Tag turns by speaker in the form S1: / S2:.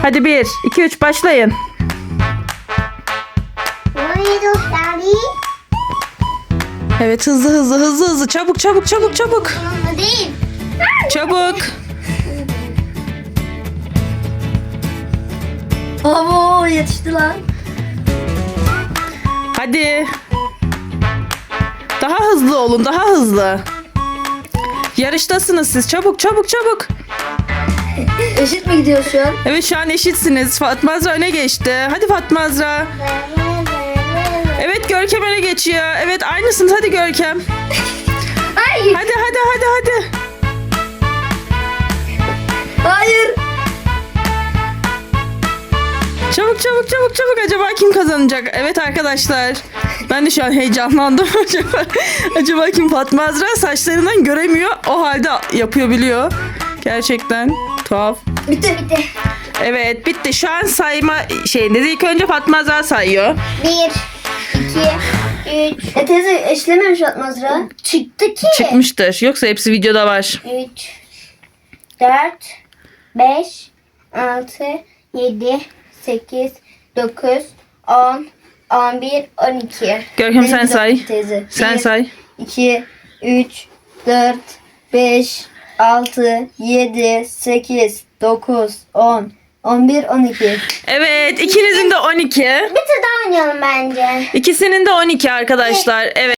S1: Hadi 1, 2, 3 başlayın. Evet, hızlı. Çabuk.
S2: Ama değil.
S1: Çabuk.
S2: Abo yetişti lan.
S1: Hadi. Daha hızlı olun, daha hızlı. Yarıştasınız siz. Çabuk.
S2: Eşit mi gidiyor şu an?
S1: Evet, şu an eşitsiniz. Fatma Azra öne geçti. Hadi Fatma Azra. Evet, Görkem öne geçiyor. Evet, aynısınız. Hadi Görkem.
S2: Hayır.
S1: Hadi.
S2: Hayır.
S1: Çabuk. Acaba kim kazanacak? Evet arkadaşlar. Ben de şu an heyecanlandım. Acaba kim? Fatma Azra saçlarından göremiyor. O halde yapıyor, biliyor. Gerçekten tuhaf.
S2: Bitti.
S1: Evet, bitti. Şu an sayma şeyindeyiz. İlk önce Fatma Azra sayıyor.
S2: 1, 2, 3. Teyze eşlememiş atmazra. Çıktı ki.
S1: Çıkmıştır. Yoksa hepsi videoda var.
S2: 3, 4, 5, 6, 7, 8, 9, 10, 11, 12.
S1: Görkem sen say.
S2: Teyze.
S1: Sen
S2: 1,
S1: say.
S2: 2, 3, 4, 5, 6, 7, 8, 9, 10, 11, 12.
S1: Evet, ikinizin de 12.
S2: Bir tur daha oynayalım bence.
S1: İkisinin de 12 arkadaşlar. Evet.